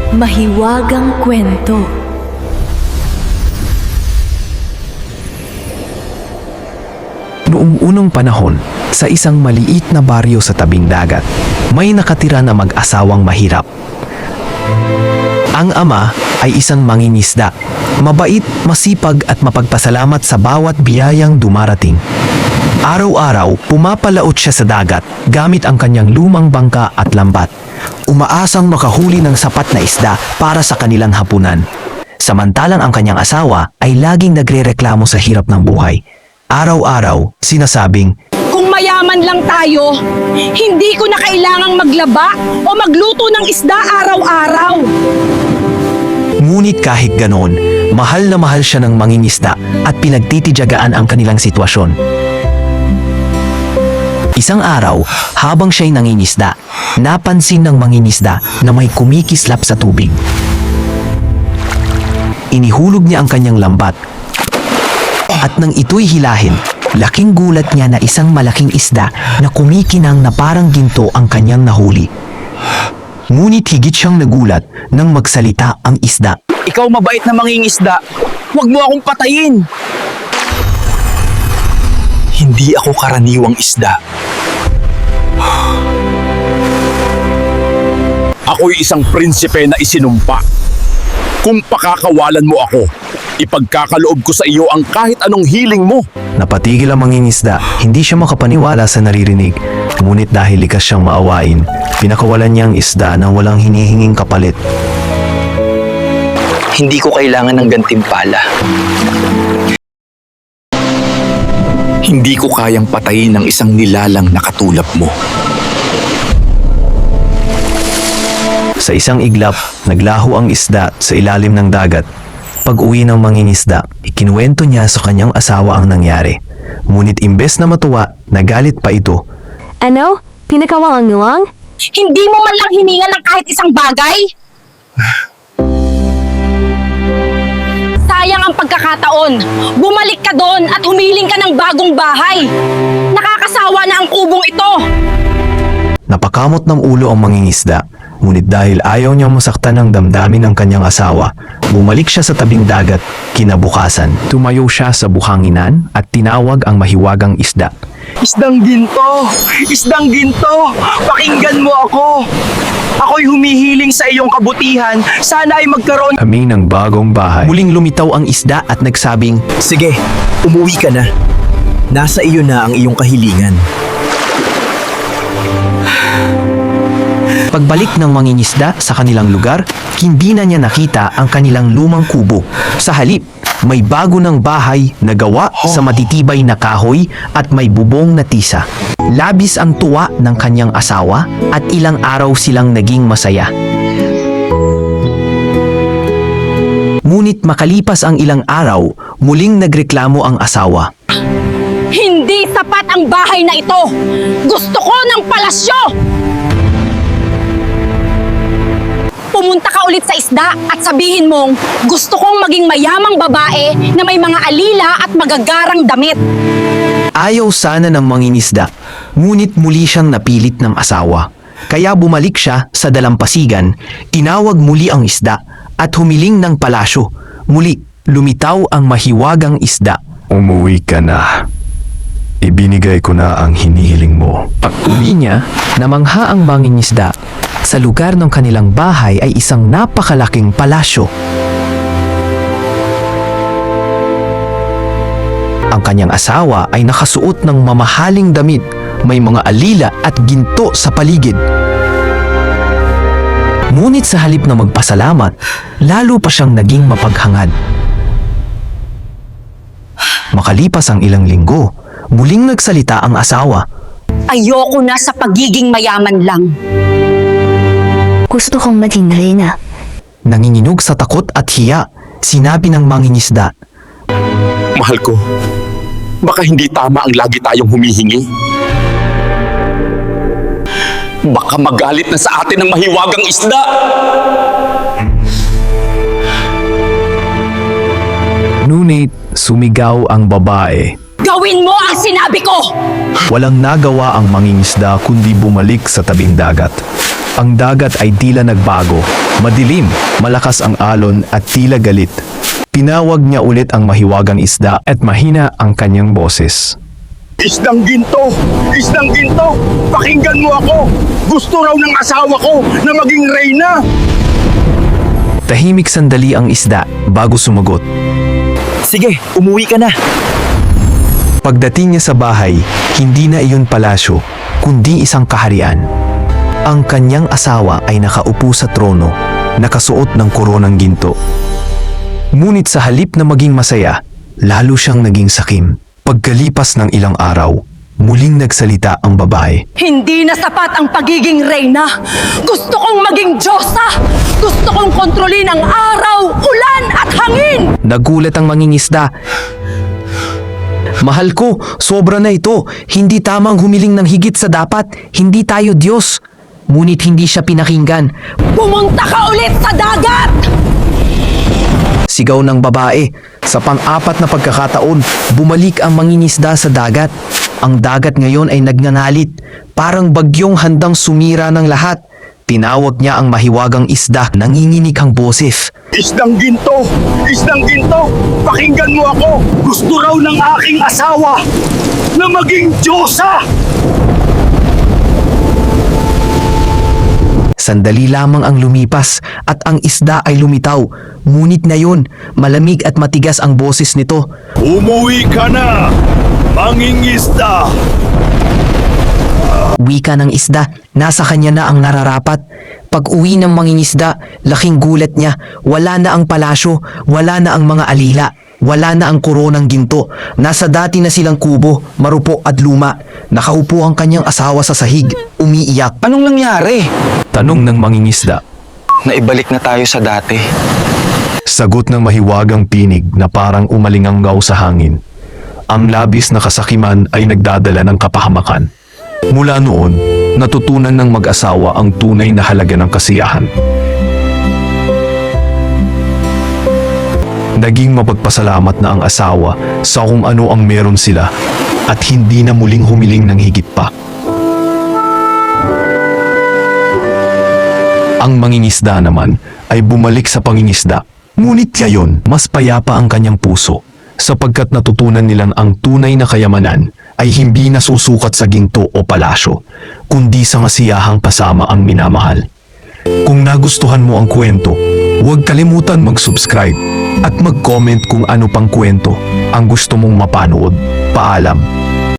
Mahiwagang kwento. Noong unang panahon, sa isang maliit na baryo sa tabing dagat, may nakatira na mag-asawang mahirap. Ang ama ay isang mangingisda, mabait, masipag at mapagpasalamat sa bawat biyayang dumarating. Araw-araw, pumapalaot siya sa dagat gamit ang kanyang lumang bangka at lambat. Umaasang makahuli ng sapat na isda para sa kanilang hapunan. Samantalang ang kanyang asawa ay laging nagrereklamo sa hirap ng buhay. Araw-araw, sinasabing, Kung mayaman lang tayo, hindi ko na kailangang maglaba o magluto ng isda araw-araw. ngunit kahit ganoon, mahal na mahal siya ng mangingisda at pinagtitidyagaan ang kanilang sitwasyon. Isang araw, habang siya'y nangingisda, napansin ng mangingisda na may kumikislap sa tubig. Inihulog niya ang kanyang lambat at nang ito'y hilahin, laking gulat niya na isang malaking isda na kumikinang na parang ginto ang kanyang nahuli. Ngunit higit siyang nagulat nang magsalita ang isda. Ikaw mabait na mangingisda, huwag mo akong patayin. Hindi ako karaniwang isda. Ako'y isang prinsipe na isinumpa. Kung pakakawalan mo ako, ipagkakaloob ko sa iyo ang kahit anong hiling mo. Napatigil ang mangingisda, hindi siya makapaniwala sa naririnig. Ngunit dahil likas siyang maawain, pinakawalan niya ang isda nang walang hinihinging kapalit. Hindi ko kailangan ng gantimpala. Hindi ko kayang patayin ng isang nilalang na katulad mo. Sa isang iglap, naglaho ang isda sa ilalim ng dagat. Pag-uwi ng mangingisda, ikinuwento niya sa kanyang asawa ang nangyari. Ngunit imbes na matuwa, nagalit pa ito. Ano? Pinakawalan niyo lang? Hindi mo man lang hiningan ng kahit isang bagay? Sayang ang pagkakataon. Bumalik ka doon at humiling ka ng bagong bahay. Nakakasawa na ang kubong ito. Napakamot ng ulo ang mangingisda. Ngunit dahil ayaw niyang masaktan ng damdamin ng kanyang asawa, bumalik siya sa tabing dagat. Kinabukasan, tumayo siya sa buhanginan at tinawag ang mahiwagang isda. Isdang ginto! Isdang ginto! Pakinggan mo ako! Ako'y humihiling sa iyong kabutihan. Sana ay magkaroon... Aming ng bagong bahay. Muling lumitaw ang isda at nagsabing, Sige, umuwi ka na. Nasa iyo na ang iyong kahilingan. Pagbalik ng mangingisda sa kanilang lugar, hindi na niya nakita ang kanilang lumang kubo. Sa halip, may bago ng bahay na gawa sa matitibay na kahoy at may bubong na tisa. Labis ang tuwa ng kanyang asawa at ilang araw silang naging masaya. Ngunit makalipas ang ilang araw, muling nagreklamo ang asawa. Hindi sapat ang bahay na ito. Gusto ko ng palasyo. Pumunta ka ulit sa isda at sabihin mong gusto kong maging mayamang babae na may mga alila at magagarang damit. Ayaw sana ng mangingisda, ngunit muli siyang napilit ng asawa. Kaya bumalik siya sa dalampasigan, tinawag muli ang isda at humiling ng palasyo. Muli, lumitaw ang mahiwagang isda. Umuwi ka na. Ibinigay ko na ang hinihiling mo. Pag-uwi niya, namangha ang mangingisda. Sa lugar ng kanilang bahay ay isang napakalaking palasyo. Ang kanyang asawa ay nakasuot ng mamahaling damit, may mga alila at ginto sa paligid. Ngunit sa halip na magpasalamat, lalo pa siyang naging mapaghangad. Makalipas ang ilang linggo, muling nagsalita ang asawa. Ayoko na sa pagiging mayaman lang. Gusto kong maging reyna. Nanginginog sa takot at hiya, sinabi ng mangingisda. Mahal ko, baka hindi tama ang lagi tayong humihingi. Baka magalit na sa atin ang mahiwagang isda. Ngunit sumigaw ang babae. Gawin mo ang sinabi ko! Walang nagawa ang mangingisda kundi bumalik sa tabing dagat. Ang dagat ay tila nagbago. Madilim, malakas ang alon at tila galit. Pinawag niya ulit ang mahiwagang isda at mahina ang kanyang boses. Isdang ginto! Isdang ginto! Pakinggan mo ako! Gusto raw ng asawa ko na maging reyna! Tahimik sandali ang isda bago sumagot. Sige, umuwi ka na. Pagdating niya sa bahay, hindi na iyon palasyo, kundi isang kaharian. Ang kanyang asawa ay nakaupo sa trono, nakasuot ng koronang ginto. Ngunit sa halip na maging masaya, lalo siyang naging sakim. Pagkalipas ng ilang araw, muling nagsalita ang babae. Hindi na sapat ang pagiging reyna. Gusto kong maging Diyosa. Gusto kong kontrolin ang araw, ulan at hangin. Nagulat ang mangingisda. Mahal ko, sobra na ito. Hindi tamang humiling ng higit sa dapat. Hindi tayo Diyos. Ngunit hindi siya pinakinggan. Pumunta ka ulit sa dagat! Sigaw ng babae. Sa pang-apat na pagkakataon, bumalik ang mangingisda sa dagat. Ang dagat ngayon ay nagngangalit. Parang bagyong handang sumira ng lahat. Tinawag niya ang mahiwagang isda, nanginginig ang boses. Isdang ginto! Isdang ginto! Pakinggan mo ako! Gusto raw ng aking asawa na maging Diyosa! Sandali lamang ang lumipas at ang isda ay lumitaw. Ngunit ngayon, malamig at matigas ang boses nito. Umuwi ka na, mangingisda! Wika ng isda, nasa kanya na ang nararapat. Pag uwi ng mangingisda, laking gulat niya. Wala na ang palasyo, wala na ang mga alila, wala na ang koronang ginto. Nasa dati na silang kubo, marupo at luma. Nakaupo ang kanyang asawa sa sahig, umiiyak. Anong nangyari? Tanong ng mangingisda. Naibalik na tayo sa dati. Sagot ng mahiwagang pinig na parang umalinganggaw sa hangin. Ang labis na kasakiman ay nagdadala ng kapahamakan. Mula noon, natutunan ng mag-asawa ang tunay na halaga ng kasiyahan. Naging mapagpasalamat na ang asawa sa kung ano ang meron sila at hindi na muling humiling ng higit pa. Ang mangingisda naman ay bumalik sa pangingisda. Ngunit ngayon, mas payapa ang kanyang puso sapagkat natutunan nilang ang tunay na kayamanan ay hindi nasusukat sa ginto o palasyo, kundi sa masiyahang kasama ang minamahal. Kung nagustuhan mo ang kwento, huwag kalimutan mag-subscribe at mag-comment kung ano pang kwento ang gusto mong mapanood. Paalam!